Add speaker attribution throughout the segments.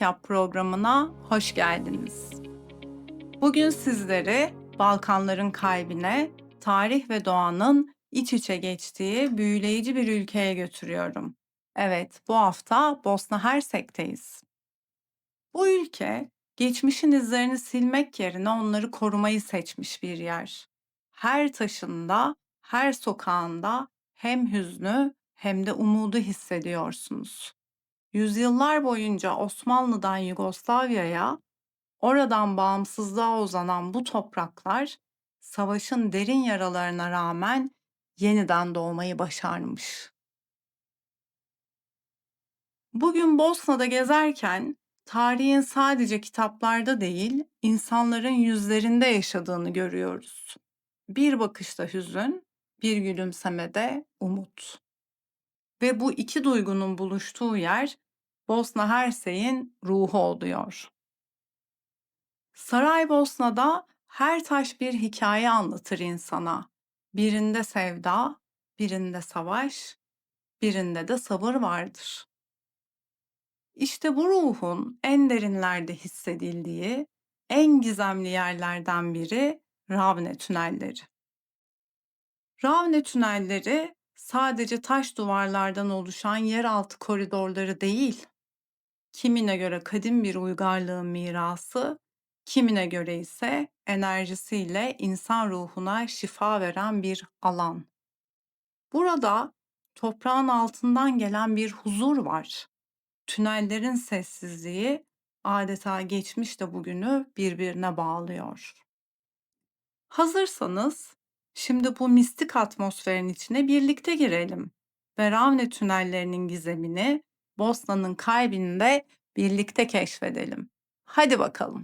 Speaker 1: Yap programına hoş geldiniz. Bugün sizleri Balkanların kalbine, tarih ve doğanın iç içe geçtiği büyüleyici bir ülkeye götürüyorum. Evet, bu hafta Bosna Hersek'teyiz. Bu ülke, geçmişin izlerini silmek yerine onları korumayı seçmiş bir yer. Her taşında, her sokağında hem hüznü hem de umudu hissediyorsunuz. Yüzyıllar boyunca Osmanlı'dan Yugoslavya'ya, oradan bağımsızlığa uzanan bu topraklar, savaşın derin yaralarına rağmen yeniden doğmayı başarmış. Bugün Bosna'da gezerken, tarihin sadece kitaplarda değil, insanların yüzlerinde yaşadığını görüyoruz. Bir bakışta hüzün, bir gülümsemede umut. Ve bu iki duygunun buluştuğu yer, Bosna Hersek'in ruhu oluyor. Saraybosna'da her taş bir hikaye anlatır insana. Birinde sevda, birinde savaş, birinde de sabır vardır. İşte bu ruhun en derinlerde hissedildiği, en gizemli yerlerden biri Ravne tünelleri. Ravne tünelleri sadece taş duvarlardan oluşan yeraltı koridorları değil, kimine göre kadim bir uygarlığın mirası, kimine göre ise enerjisiyle insan ruhuna şifa veren bir alan. Burada toprağın altından gelen bir huzur var. Tünellerin sessizliği adeta geçmişle bugünü birbirine bağlıyor. Hazırsanız şimdi bu mistik atmosferin içine birlikte girelim ve Ravne tünellerinin gizemini Bosna'nın kalbinde birlikte keşfedelim. Hadi bakalım.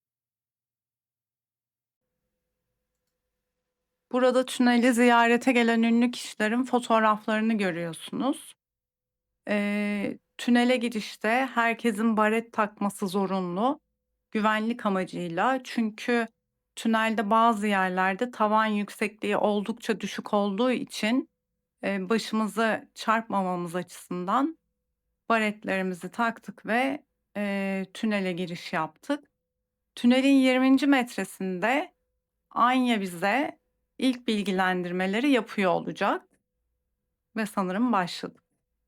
Speaker 1: Burada tüneli ziyarete gelen ünlü kişilerin fotoğraflarını görüyorsunuz. Tünele girişte herkesin baret takması zorunlu. Güvenlik amacıyla. Çünkü tünelde bazı yerlerde tavan yüksekliği oldukça düşük olduğu için başımızı çarpmamamız açısından baretlerimizi taktık ve tünele giriş yaptık. Tünelin 20. metresinde Anya bize ilk bilgilendirmeleri yapıyor olacak ve sanırım başladık.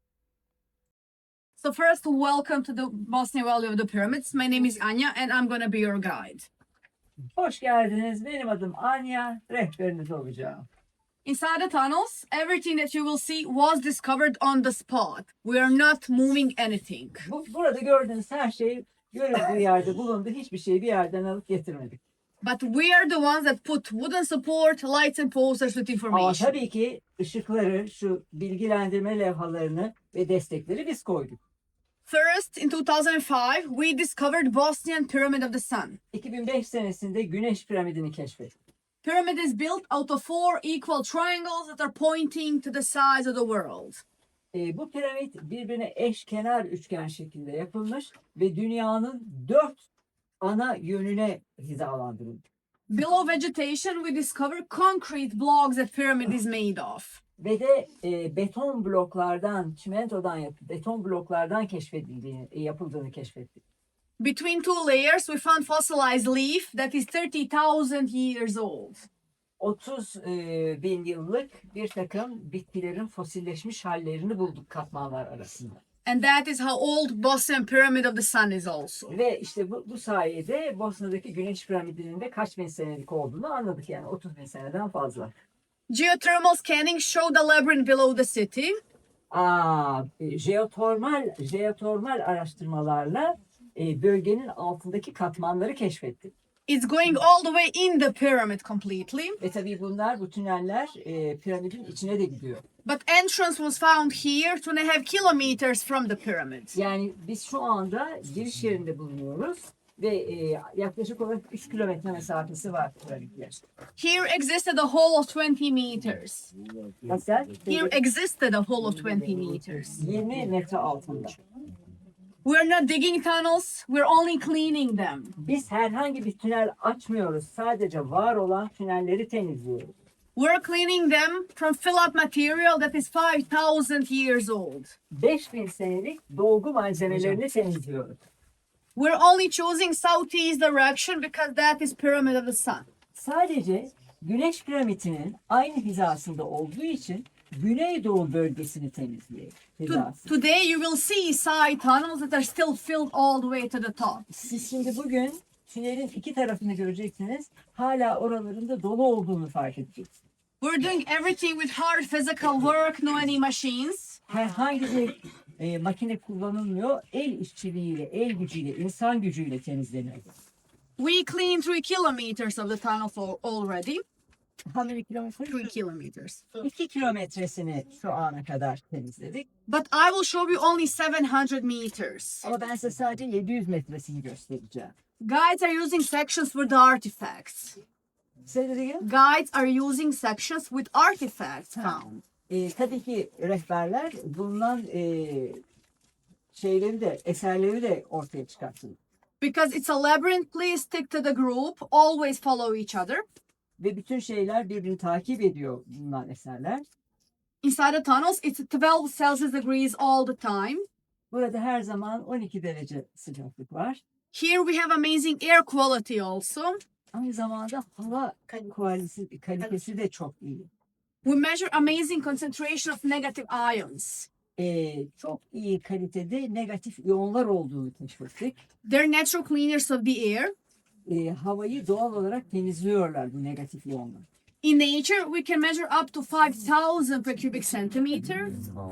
Speaker 2: So first, welcome to the Bosnia Valley of the Pyramids. My name is Anya and I'm going to be your guide.
Speaker 3: Hoş geldiniz. Benim adım Anya. Rehberiniz olacağım.
Speaker 2: Inside the tunnels, everything that you will see was discovered on the spot. We are not moving anything.
Speaker 3: Burada gördüğünüz her şey görüldüğü yerde bulundu. Hiçbir şeyi bir yerden alıp getirmedik.
Speaker 2: But we are the ones that put wooden support, lights and posters with
Speaker 3: Ama
Speaker 2: information.
Speaker 3: tabii ki ışıkları, şu bilgilendirme levhalarını ve destekleri biz koyduk.
Speaker 2: First, in 2005, we discovered Bosnian Pyramid of the Sun.
Speaker 3: 2005 senesinde Güneş piramidini keşfettik.
Speaker 2: Pyramid is built out of 4 equal triangles that are pointing to the sides of the world.
Speaker 3: Bu piramit birbirine eşkenar üçgen şeklinde yapılmış ve dünyanın 4 ana yönüne hizalandırılmış.
Speaker 2: Below vegetation, we discover concrete blocks that pyramid is made of.
Speaker 3: Ve de beton bloklardan, çimentodan beton bloklardan yapıldığını keşfettik.
Speaker 2: Between two layers, we found fossilized leaf that is 30,000 years old.
Speaker 3: 30 bin yıllık bir takım bitkilerin fosilleşmiş hallerini bulduk katmanlar arasında.
Speaker 2: And that is how old Bosnian Pyramid of the Sun is also.
Speaker 3: Ve işte bu sayede Bosna'daki Güneş piramidinin de kaç bin senelik olduğunu anladık, yani 30 bin seneden fazla.
Speaker 2: Geothermal scanning showed a labyrinth below the city.
Speaker 3: Jeotermal araştırmalarla bölgenin altındaki katmanları keşfettik.
Speaker 2: It's going all the way in the pyramid completely.
Speaker 3: Ve tabii bu tüneller piramidin içine de gidiyor.
Speaker 2: But entrance was found here 2.5 kilometers from the pyramid.
Speaker 3: Yani biz şu anda giriş yerinde bulunuyoruz ve yaklaşık olarak 3 kilometre mesafesi var piramitler.
Speaker 2: Here existed a hole of 20 meters.
Speaker 3: Nasıl?
Speaker 2: Here existed a hole of 20 meters.
Speaker 3: 20 metre altında.
Speaker 2: We're not digging tunnels, we're only cleaning them.
Speaker 3: Biz herhangi bir tünel açmıyoruz. Sadece var olan tünelleri temizliyoruz.
Speaker 2: We're cleaning them from fill-up material that is 5,000 years old.
Speaker 3: 5000 senelik dolgu malzemelerini temizliyoruz.
Speaker 2: We're only choosing southeast direction because that is pyramid of the sun.
Speaker 3: Sadece Güneş piramidinin aynı hizasında olduğu için Güneydoğu bölgesini temizliyor. Hizası.
Speaker 2: Today you will see side tunnels that are still filled all the way to the top.
Speaker 3: Siz şimdi bugün tünelin iki tarafını göreceksiniz. Hala oralarında dolu olduğunu fark edeceksiniz.
Speaker 2: We're doing everything with hard physical work, no any machines.
Speaker 3: Herhangi bir makine kullanılmıyor. El işçiliğiyle, el gücüyle, insan gücüyle temizleniyor.
Speaker 2: We cleaned 3 kilometers of the tunnels already.
Speaker 3: How many kilometre?
Speaker 2: 3 kilometers.
Speaker 3: 2 kilometresini şu ana kadar temizledik.
Speaker 2: But I will show you only 700 meters.
Speaker 3: Ama ben size sadece 700 metresini göstereceğim.
Speaker 2: Guides are using sections with the artifacts.
Speaker 3: Say that again.
Speaker 2: Guides are using sections with artifacts found.
Speaker 3: Tabii ki rehberler bulunan şeyleri de, eserleri de ortaya çıkartın.
Speaker 2: Because it's a labyrinth, please stick to the group. Always follow each other.
Speaker 3: Ve bütün şeyler birbirini takip ediyor bulunan eserler.
Speaker 2: Inside the tunnels, it's 12 Celsius degrees all the time.
Speaker 3: Burada her zaman 12 derece sıcaklık var.
Speaker 2: Here we have amazing air quality also.
Speaker 3: Aynı zamanda hava kalitesi de çok iyi.
Speaker 2: We measure amazing concentration of negative ions.
Speaker 3: Çok iyi kalitede negatif iyonlar olduğunu keşfettik.
Speaker 2: They're natural cleaners of the air.
Speaker 3: Havayı doğal olarak temizliyorlar bu negatif iyonlar.
Speaker 2: In nature, we can measure up to 5,000 per cubic centimeter.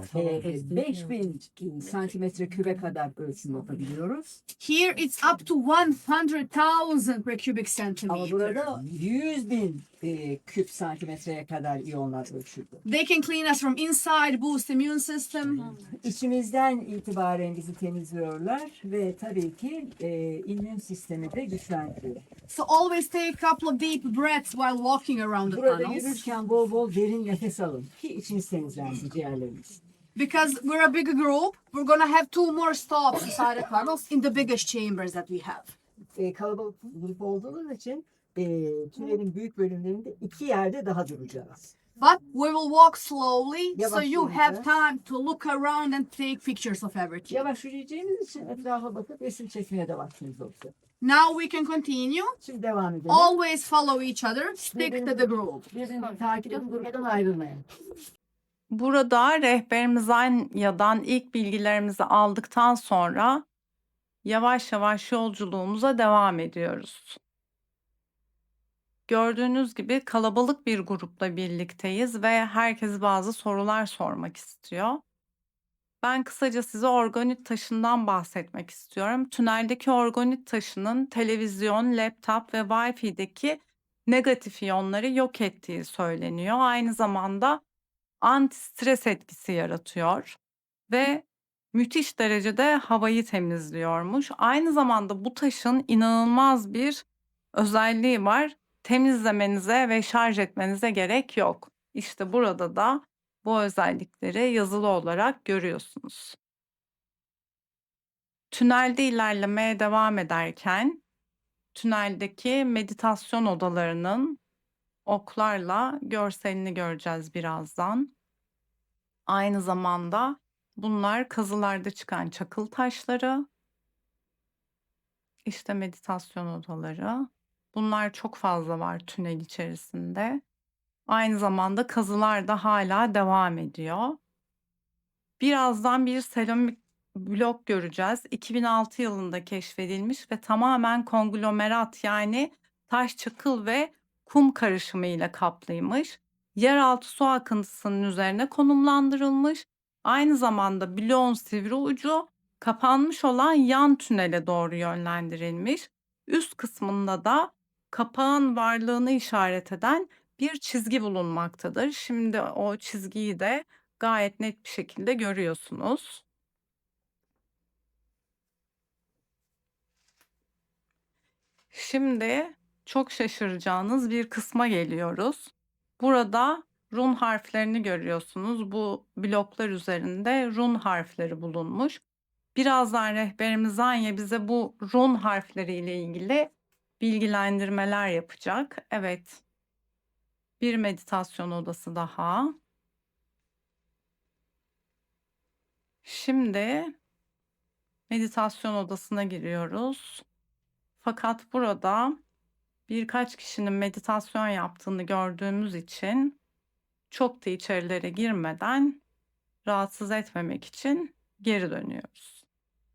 Speaker 3: 5000 santimetre küre kadar ölçüm yapabiliyoruz.
Speaker 2: Here, it's up to 100,000 per cubic
Speaker 3: Ama
Speaker 2: centimeter.
Speaker 3: burada 100.000 küp santimetreye kadar iyonlar ölçüldü.
Speaker 2: They can clean us from inside, boost immune system.
Speaker 3: İçimizden itibaren bizi temizliyorlar ve tabii ki immün sistemi de güçlendiriyor.
Speaker 2: So always take a couple of deep breaths while walking around the
Speaker 3: Burada
Speaker 2: tunnels.
Speaker 3: yürürken bol bol derin nefes alın ki içiniz temizlensin, ciğerleriniz.
Speaker 2: Because we're a big group, we're gonna have 2 more stops inside the tunnels in the biggest chambers that we have.
Speaker 3: Kalabalık grup olduğumuz için tünelin büyük bölümlerinde 2 yerde daha duracağız.
Speaker 2: But we will walk slowly, so
Speaker 3: Yavaş
Speaker 2: you have
Speaker 3: yürüyeceğiz.
Speaker 2: time to look around and take pictures of everything.
Speaker 3: Yavaş yürüyeceğimiz için etrafa bakıp resim çekmeye de vaktimiz olacak.
Speaker 2: Now we can continue.
Speaker 3: Şimdi devam edelim.
Speaker 2: Always follow each other, stick to the group.
Speaker 3: Birbirini takip edin, gruptan ayrılmayın.
Speaker 1: Burada rehberimiz Anya'dan ilk bilgilerimizi aldıktan sonra yavaş yavaş yolculuğumuza devam ediyoruz. Gördüğünüz gibi kalabalık bir grupla birlikteyiz ve herkes bazı sorular sormak istiyor. Ben kısaca size organit taşından bahsetmek istiyorum. Tüneldeki organit taşının televizyon, laptop ve Wi-Fi'deki negatif iyonları yok ettiği söyleniyor. Aynı zamanda anti-stres etkisi yaratıyor ve müthiş derecede havayı temizliyormuş. Aynı zamanda bu taşın inanılmaz bir özelliği var. Temizlemenize ve şarj etmenize gerek yok. İşte burada da bu özellikleri yazılı olarak görüyorsunuz. Tünelde ilerlemeye devam ederken tüneldeki meditasyon odalarının oklarla görselini göreceğiz birazdan. Aynı zamanda bunlar kazılarda çıkan çakıl taşları. İşte meditasyon odaları. Bunlar çok fazla var tünel içerisinde. Aynı zamanda kazılar da hala devam ediyor. Birazdan bir seramik blok göreceğiz. 2006 yılında keşfedilmiş ve tamamen konglomerat yani taş, çakıl ve kum karışımı ile kaplıymış. Yeraltı su akıntısının üzerine konumlandırılmış. Aynı zamanda bloğun sivri ucu kapanmış olan yan tünele doğru yönlendirilmiş. Üst kısmında da kapağın varlığını işaret eden bir çizgi bulunmaktadır. Şimdi o çizgiyi de gayet net bir şekilde görüyorsunuz. Şimdi çok şaşıracağınız bir kısma geliyoruz. Burada run harflerini görüyorsunuz. Bu bloklar üzerinde run harfleri bulunmuş. Birazdan rehberimiz Anya bize bu run harfleriyle ilgili bilgilendirmeler yapacak. Evet. Bir meditasyon odası daha. Şimdi Meditasyon odasına giriyoruz. Fakat burada birkaç kişinin meditasyon yaptığını gördüğümüz için çok da içerilere girmeden rahatsız etmemek için geri dönüyoruz.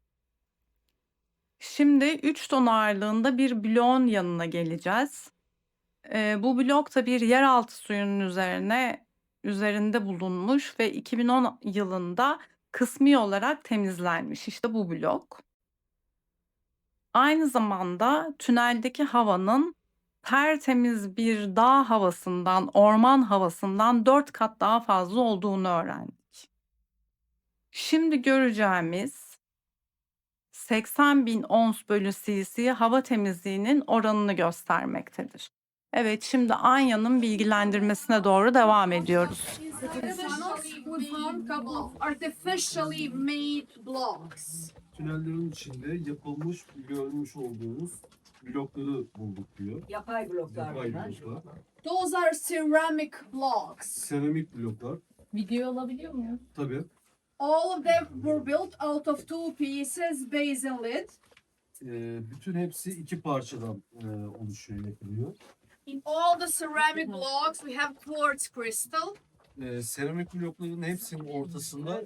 Speaker 1: Şimdi 3 ton ağırlığında bir bloğun yanına geleceğiz. Bu blok da bir yeraltı suyunun üzerinde bulunmuş ve 2010 yılında kısmi olarak temizlenmiş. İşte bu blok. Aynı zamanda tüneldeki havanın tertemiz bir dağ havasından, orman havasından 4 kat daha fazla olduğunu öğrendik. Şimdi göreceğimiz 80.000 ons bölü cc hava temizliğinin oranını göstermektedir. Evet, şimdi Anya'nın bilgilendirmesine doğru devam ediyoruz.
Speaker 2: Inside the tunnels, we found a couple of artificially made blocks.
Speaker 4: Tünellerin içinde yapılmış, görmüş olduğunuz blokları bulduk diyor.
Speaker 3: Yapay bloklar
Speaker 4: Yapay
Speaker 3: bunlar.
Speaker 4: bloklar.
Speaker 2: Those are ceramic blocks.
Speaker 4: Seramik bloklar.
Speaker 5: Video alabiliyor muyum?
Speaker 4: Tabii.
Speaker 2: All of them were built out of two pieces, base and lid.
Speaker 4: Bütün hepsi iki parçadan oluşuyor, yapılıyor.
Speaker 2: In all the ceramic blocks, we have quartz crystal.
Speaker 4: Seramik blokların hepsinin ortasında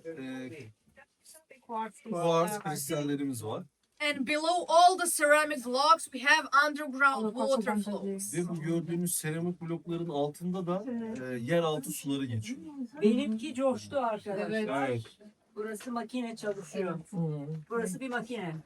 Speaker 4: kuars kristallerimiz var.
Speaker 2: And below all the ceramic blocks, we have underground water flows.
Speaker 4: Ve bu gördüğünüz seramik blokların altında da yeraltı suları geçiyor.
Speaker 3: Benimki coştu arkadaşlar.
Speaker 4: Evet.
Speaker 3: Burası makine çalışıyor. Burası bir makine.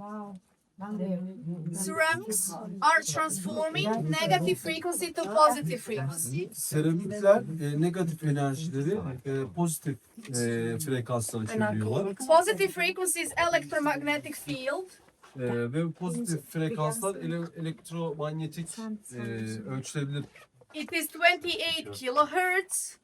Speaker 2: Ceramics are transforming negative frequency to positive frequency.
Speaker 4: Seramikler negatif enerjileri pozitif frekanslara çeviriyorlar.
Speaker 2: Positive frequency is electromagnetic field.
Speaker 4: Ve pozitif frekanslar elektromanyetik ölçülebilir.
Speaker 2: It is 28 kilohertz,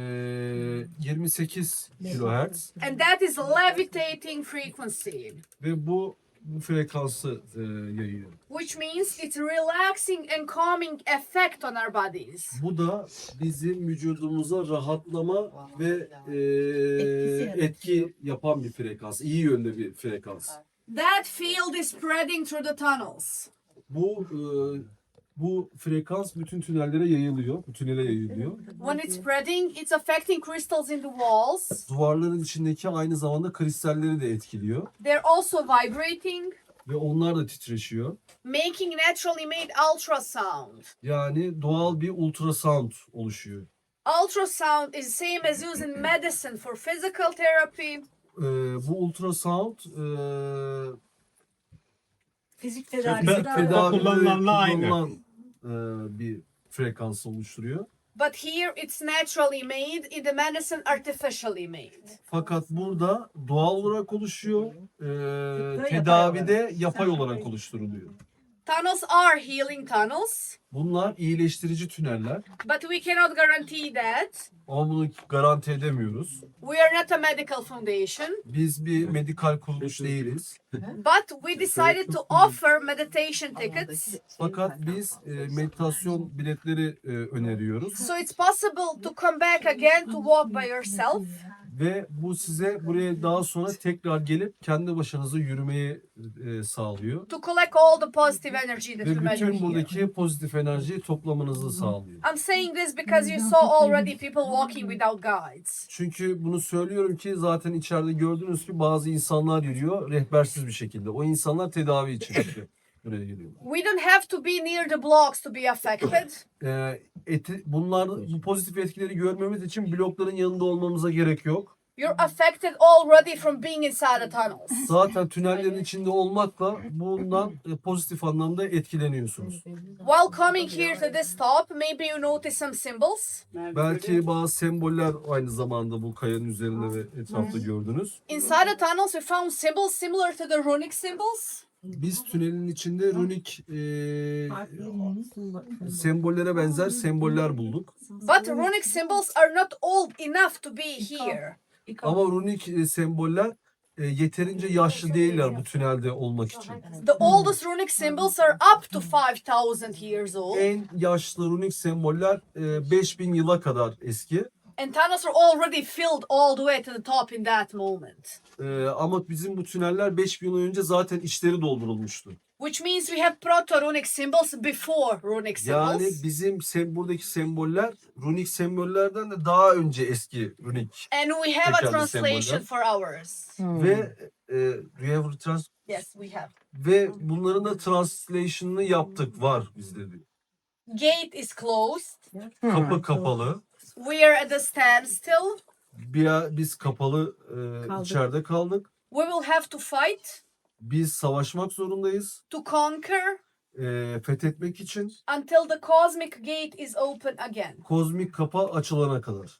Speaker 4: 28 kilohertz
Speaker 2: and that is levitating frequency,
Speaker 4: ve bu frekansı yayıyor.
Speaker 2: which means it's relaxing and calming effect on our bodies.
Speaker 4: Bu da bizim vücudumuza rahatlama ve etki yapan bir frekans, iyi yönde bir frekans.
Speaker 2: That field is spreading through the tunnels.
Speaker 4: Bu frekans bütün tünellere yayılıyor, bu tünele yayılıyor.
Speaker 2: When it's spreading, it's affecting crystals in the walls.
Speaker 4: Duvarların içindeki aynı zamanda kristalleri de etkiliyor
Speaker 2: They're also vibrating,
Speaker 4: ve onlar da titreşiyor.
Speaker 2: making naturally made ultrasound.
Speaker 4: Yani doğal bir ultrasound oluşuyor.
Speaker 2: Ultrasound is same as used in medicine for physical therapy.
Speaker 4: Bu ultrasound
Speaker 3: Fizik
Speaker 4: fizik
Speaker 3: tedavisi
Speaker 4: tedavide
Speaker 6: kullanılanla aynı.
Speaker 4: kullanılan bir frekans oluşturuyor.
Speaker 2: But here it's naturally made, in the medicine artificially made.
Speaker 4: Fakat burada doğal olarak oluşuyor,
Speaker 3: yapay
Speaker 4: tedavide yapay olarak oluşturuluyor.
Speaker 2: Tunnels are healing tunnels,
Speaker 4: Bunlar iyileştirici tüneller
Speaker 2: but we cannot guarantee that.
Speaker 4: ama bunu garanti edemiyoruz.
Speaker 2: We are not a medical foundation,
Speaker 4: Biz bir medikal kuruluş değiliz.
Speaker 2: but we decided to offer meditation tickets.
Speaker 4: Fakat biz meditasyon biletleri öneriyoruz.
Speaker 2: So it's possible to come back again to walk by yourself.
Speaker 4: Ve bu size buraya daha sonra tekrar gelip kendi başınıza yürümeyi sağlıyor.
Speaker 2: To collect all the positive energy that we
Speaker 4: Ve
Speaker 2: measure
Speaker 4: bütün
Speaker 2: here.
Speaker 4: buradaki pozitif enerjiyi toplamanızı sağlıyor.
Speaker 2: I'm saying this because you saw already people walking without guides.
Speaker 4: Çünkü bunu söylüyorum ki zaten içeride gördüğünüz gibi bazı insanlar yürüyor rehbersiz bir şekilde. O insanlar tedavi için işte buraya geliyorlar.
Speaker 2: We don't have to be near the blocks to be affected.
Speaker 4: Bunlar bu pozitif etkileri görmemiz için blokların yanında olmamıza gerek yok.
Speaker 2: You're affected already from being inside the tunnels.
Speaker 4: Zaten tünellerin içinde olmakla bundan pozitif anlamda etkileniyorsunuz.
Speaker 2: While coming here to this top, maybe you notice some symbols.
Speaker 4: Belki bazı semboller aynı zamanda bu kayanın üzerinde ve etrafta gördünüz.
Speaker 2: Inside the tunnels, we found symbols similar to the runic symbols.
Speaker 4: Biz tünelin içinde runik sembollere benzer semboller bulduk.
Speaker 2: But runic symbols are not old enough to be here.
Speaker 4: Ama runik semboller yeterince yaşlı değiller bu tünelde olmak için.
Speaker 2: The oldest runic symbols are up to 5,000 years old.
Speaker 4: En yaşlı runik semboller 5000 yıla kadar eski.
Speaker 2: And tunnels were already filled all the way to the top in that moment.
Speaker 4: Ama bizim bu tüneller 5000 yıl önce zaten içleri doldurulmuştu.
Speaker 2: Which means we have proto-runic symbols before runic
Speaker 4: Yani
Speaker 2: symbols.
Speaker 4: bizim buradaki semboller runik sembollerden de daha önce eski runik.
Speaker 2: And we have a
Speaker 4: Tekrarlı
Speaker 2: translation
Speaker 4: semboller.
Speaker 2: for ours.
Speaker 4: Ve do you have
Speaker 2: Yes, we have.
Speaker 4: ve bunların da translation'ını yaptık. Var bizde de.
Speaker 2: Gate is closed.
Speaker 4: Kapı kapalı.
Speaker 2: We are at a standstill.
Speaker 4: Biz kapalı içeride kaldık.
Speaker 2: We will have to fight
Speaker 4: Biz savaşmak zorundayız.
Speaker 2: to conquer
Speaker 4: Fethetmek için
Speaker 2: until the cosmic gate is open again.
Speaker 4: kozmik kapı açılana kadar.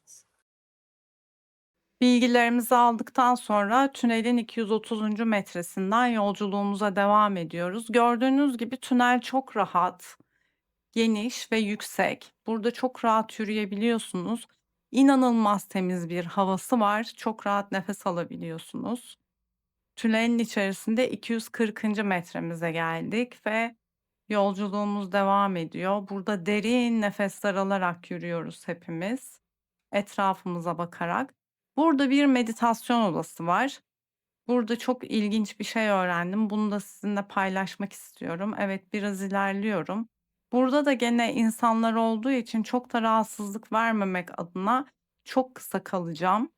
Speaker 1: Bilgilerimizi aldıktan sonra tünelin 230. metresinden yolculuğumuza devam ediyoruz. Gördüğünüz gibi tünel çok rahat, geniş ve yüksek. Burada çok rahat yürüyebiliyorsunuz. İnanılmaz temiz bir havası var. Çok rahat nefes alabiliyorsunuz. Tünelin içerisinde 240. metremize geldik ve yolculuğumuz devam ediyor. Burada derin nefesler alarak yürüyoruz hepimiz. Etrafımıza bakarak. Burada bir meditasyon odası var. Burada çok ilginç bir şey öğrendim. Bunu da sizinle paylaşmak istiyorum. Evet, biraz ilerliyorum. Burada da gene insanlar olduğu için çok da rahatsızlık vermemek adına çok kısa kalacağım.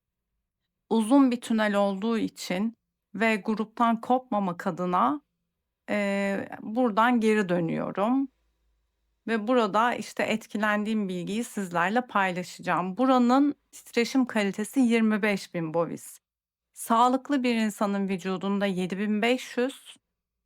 Speaker 1: Uzun bir tünel olduğu için ve gruptan kopmamak adına buradan geri dönüyorum. Ve burada işte etkilendiğim bilgiyi sizlerle paylaşacağım. Buranın titreşim kalitesi 25.000 bovis. Sağlıklı bir insanın vücudunda 7.500,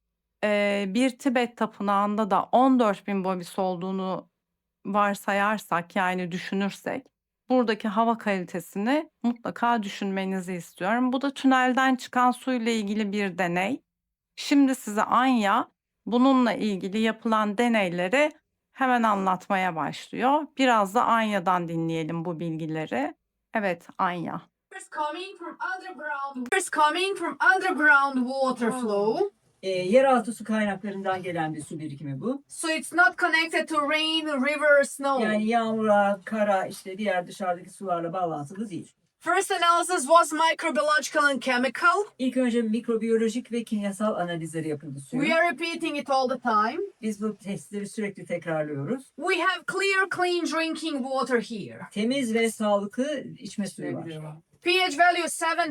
Speaker 1: bir Tibet tapınağında da 14.000 bovis olduğunu varsayarsak, yani düşünürsek, buradaki hava kalitesini mutlaka düşünmenizi istiyorum. Bu da tünelden çıkan suyla ilgili bir deney. Şimdi size Anya bununla ilgili yapılan deneyleri hemen anlatmaya başlıyor. Biraz da Anya'dan dinleyelim bu bilgileri. Evet, Anya.
Speaker 2: Coming from underground water flow.
Speaker 3: Yeraltı su kaynaklarından gelen bir su birikimi bu.
Speaker 2: So it's not connected to rain, river, snow.
Speaker 3: Yani yağmura, kara, işte diğer dışarıdaki sularla bağlantılı değil.
Speaker 2: First analysis was microbiological and chemical.
Speaker 3: İlk önce mikrobiyolojik ve kimyasal analizleri yapıldı suyun.
Speaker 2: We are repeating it all the time.
Speaker 3: Biz bu testleri sürekli tekrarlıyoruz.
Speaker 2: We have clean drinking water here.
Speaker 3: Temiz ve sağlıklı içme suyu var.
Speaker 2: pH value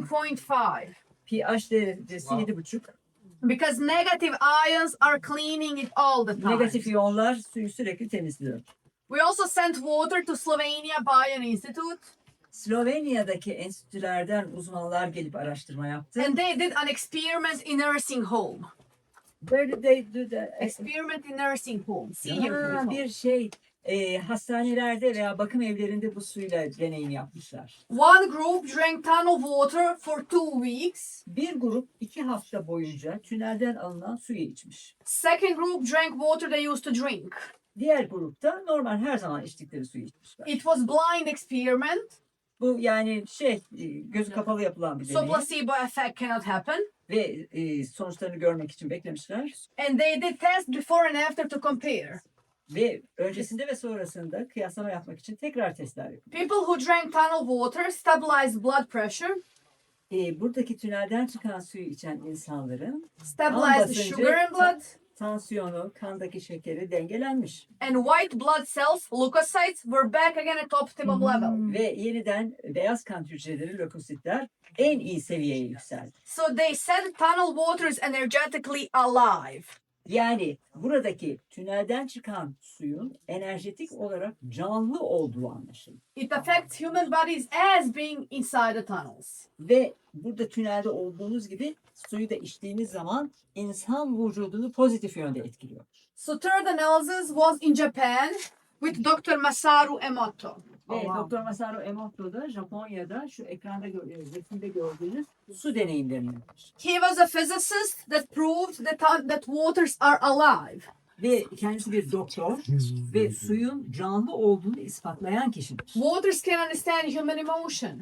Speaker 2: 7.5
Speaker 3: pH derecesi 7,5.
Speaker 2: because negative ions are cleaning it all the time.
Speaker 3: Negatif iyonlar suyu sürekli temizliyor.
Speaker 2: We also sent water to Slovenia Bion Institute
Speaker 3: Slovenya'daki enstitülerden uzmanlar gelip araştırma yaptı.
Speaker 2: and they did an experiment in nursing home.
Speaker 3: Böyle de
Speaker 2: Experiment in nursing home. Senior
Speaker 3: bir şey hastanelerde veya bakım evlerinde bu suyla deneyim yapmışlar.
Speaker 2: One group drank tunnel water for 2 weeks.
Speaker 3: Bir grup 2 hafta boyunca tünelden alınan suyu içmiş.
Speaker 2: Second group drank water they used to drink.
Speaker 3: Diğer grupta normal her zaman içtikleri suyu içmişler.
Speaker 2: It was blind experiment,
Speaker 3: Bu yani gözü kapalı yapılan bir
Speaker 2: so
Speaker 3: deney
Speaker 2: placebo effect cannot happen.
Speaker 3: ve sonuçlarını görmek için beklemişler.
Speaker 2: And they did test before and after to compare.
Speaker 3: Ve öncesinde ve sonrasında kıyaslama yapmak için tekrar testler yapıldı.
Speaker 2: People who drank tunnel water stabilized blood pressure,
Speaker 3: Buradaki tünelden çıkan suyu içen insanların
Speaker 2: stabilized the
Speaker 3: basıncı,
Speaker 2: sugar in blood,
Speaker 3: tansiyonu, kandaki şekeri dengelenmiş.
Speaker 2: and white blood cells, leukocytes, were back again at optimum level.
Speaker 3: Ve yeniden beyaz kan hücreleri, lökositler en iyi seviyeye yükseldi.
Speaker 2: So they said tunnel water is energetically alive.
Speaker 3: Yani buradaki tünelden çıkan suyun enerjetik olarak canlı olduğu anlaşıldı.
Speaker 2: It affects human bodies as being inside the tunnels.
Speaker 3: Ve burada tünelde olduğunuz gibi suyu da içtiğiniz zaman insan vücudunu pozitif yönde etkiliyor.
Speaker 2: So third analysis was in Japan with Dr. Masaru Emoto.
Speaker 3: Ve Dr. Masaru Emoto da Japonya'da şu ekranda resimde gördüğünüz su deneyimlerini yapmış.
Speaker 2: He was a physicist that proved that waters are alive.
Speaker 3: Ve kendisi bir doktor ve suyun canlı olduğunu ispatlayan kişidir.
Speaker 2: Waters can understand human emotion.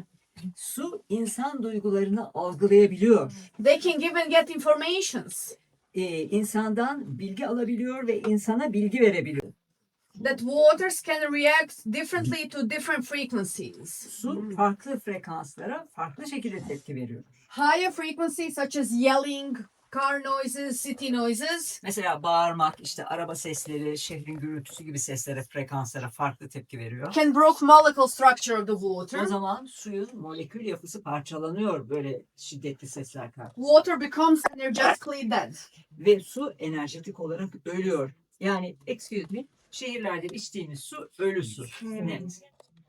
Speaker 3: Su insan duygularını algılayabiliyor.
Speaker 2: They can give and get informations.
Speaker 3: İnsandan bilgi alabiliyor ve insana bilgi verebiliyor.
Speaker 2: that waters can react differently to different frequencies.
Speaker 3: Su farklı frekanslara farklı şekilde tepki veriyor.
Speaker 2: Higher frequencies such as yelling, car noises, city noises
Speaker 3: Mesela bağırmak, işte araba sesleri, şehrin gürültüsü gibi seslere, frekanslara farklı tepki veriyor.
Speaker 2: can break molecule structure of the water.
Speaker 3: O zaman suyun molekül yapısı parçalanıyor böyle şiddetli sesler karşısında.
Speaker 2: Water becomes energetically dead.
Speaker 3: Ve su enerjetik olarak ölüyor. Yani excuse me, şehirlerde içtiğimiz su ölü su. Evet.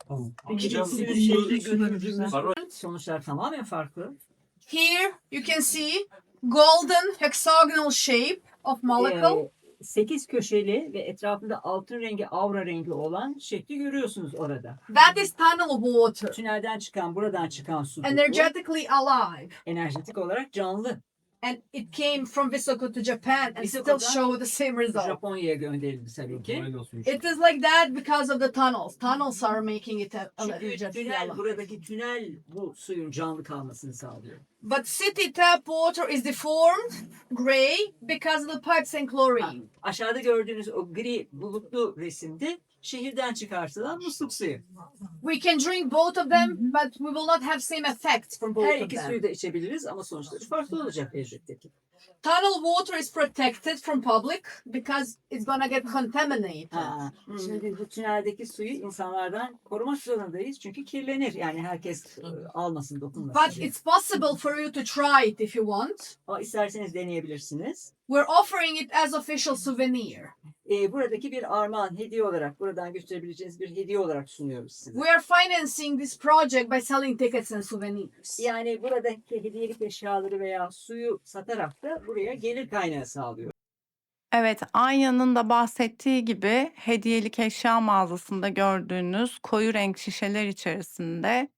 Speaker 3: Peki
Speaker 4: Hocam,
Speaker 3: suyun
Speaker 4: bu
Speaker 3: şehirde
Speaker 4: su-
Speaker 3: götürdüğümüz sonuçlar tamamen farklı.
Speaker 2: Here you can see golden hexagonal shape of molecule.
Speaker 3: 8 köşeli ve etrafında altın rengi, aura rengi olan şekli görüyorsunuz orada.
Speaker 2: That is tunnel water.
Speaker 3: Tünelden çıkan, buradan çıkan su bu.
Speaker 2: Energetically alive.
Speaker 3: Enerjetik olarak canlı.
Speaker 2: And it came from Visoko to Japan and still
Speaker 3: Visoko'dan
Speaker 2: show the same result.
Speaker 3: Japonya'ya gönderildi tabii ki.
Speaker 4: Aynen suymuş.
Speaker 2: It is like that because of the tunnels. Tunnels are making it
Speaker 3: Çünkü
Speaker 2: energetically
Speaker 3: tünel,
Speaker 2: alive.
Speaker 3: buradaki tünel bu suyun canlı kalmasını sağlıyor.
Speaker 2: But city tap water is deformed, gray, because of the pipes and chlorine.
Speaker 3: Aşağıda gördüğünüz o gri bulutlu resimde şehirden çıkartılan musluk suyu.
Speaker 2: We can drink both of them, but we will not have same effects from both
Speaker 3: Her
Speaker 2: of
Speaker 3: iki
Speaker 2: them.
Speaker 3: suyu da içebiliriz ama sonuçları farklı olacak elbette ki.
Speaker 2: Tunnel water is protected from public because it's gonna get contaminated.
Speaker 3: Ha, şimdi bu tüneldeki suyu insanlardan korumak zorundayız çünkü kirlenir. Yani herkes almasın, dokunmasın.
Speaker 2: But it's possible for you to try it if you want.
Speaker 3: Ama isterseniz deneyebilirsiniz.
Speaker 2: We're offering it as official souvenir.
Speaker 3: Buradaki bir armağan, hediye olarak, buradan gösterebileceğiniz bir hediye olarak sunuyoruz size.
Speaker 2: We are financing this project by selling tickets and souvenirs.
Speaker 3: Yani buradaki hediyelik eşyaları veya suyu satarak da buraya gelir kaynağı sağlıyor.
Speaker 1: Evet, Anya'nın da bahsettiği gibi hediyelik eşya mağazasında gördüğünüz koyu renk şişeler içerisinde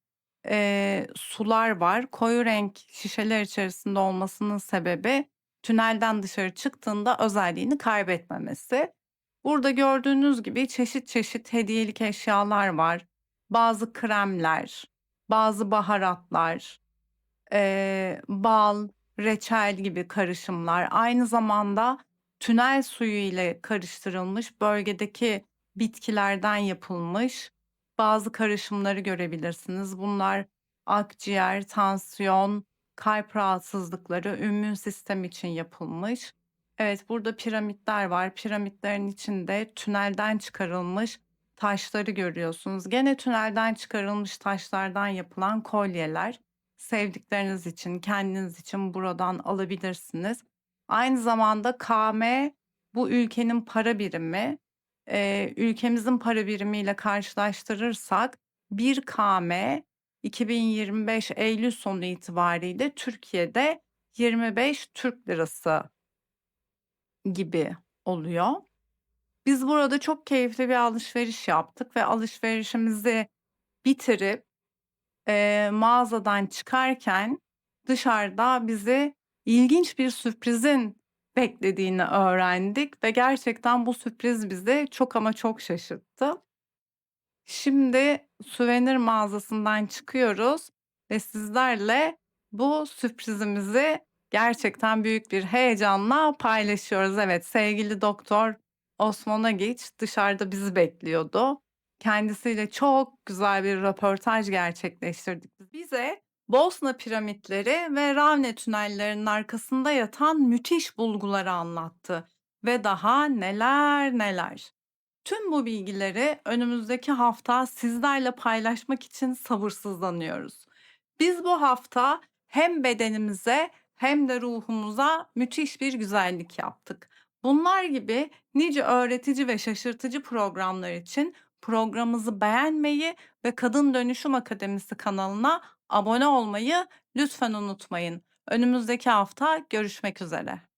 Speaker 1: sular var. Koyu renk şişeler içerisinde olmasının sebebi tünelden dışarı çıktığında özelliğini kaybetmemesi. Burada gördüğünüz gibi çeşit çeşit hediyelik eşyalar var. Bazı kremler, bazı baharatlar, bal, reçel gibi karışımlar. Aynı zamanda tünel suyu ile karıştırılmış bölgedeki bitkilerden yapılmış bazı karışımları görebilirsiniz. Bunlar akciğer, tansiyon, kalp rahatsızlıkları, immün sistem için yapılmış. Evet, burada piramitler var. Piramitlerin içinde tünelden çıkarılmış taşları görüyorsunuz. Gene tünelden çıkarılmış taşlardan yapılan kolyeler. Sevdikleriniz için, kendiniz için buradan alabilirsiniz. Aynı zamanda KM bu ülkenin para birimi. Ülkemizin para birimiyle karşılaştırırsak 1 KM 2025 Eylül sonu itibariyle Türkiye'de 25 Türk lirası gibi oluyor. Biz burada çok keyifli bir alışveriş yaptık ve alışverişimizi bitirip mağazadan çıkarken dışarıda bizi ilginç bir sürprizin beklediğini öğrendik ve gerçekten bu sürpriz bizi çok ama çok şaşırttı. Şimdi suvenir mağazasından çıkıyoruz ve sizlerle bu sürprizimizi gerçekten büyük bir heyecanla paylaşıyoruz. Evet, sevgili Doktor Osman Agiç dışarıda bizi bekliyordu. Kendisiyle çok güzel bir röportaj gerçekleştirdik. Bize Bosna piramitleri ve Ravne tünellerinin arkasında yatan müthiş bulguları anlattı ve daha neler neler. Tüm bu bilgileri önümüzdeki hafta sizlerle paylaşmak için sabırsızlanıyoruz. Biz bu hafta hem bedenimize hem de ruhumuza müthiş bir güzellik yaptık. Bunlar gibi nice öğretici ve şaşırtıcı programlar için programımızı beğenmeyi ve Kadın Dönüşüm Akademisi kanalına abone olmayı lütfen unutmayın. Önümüzdeki hafta görüşmek üzere.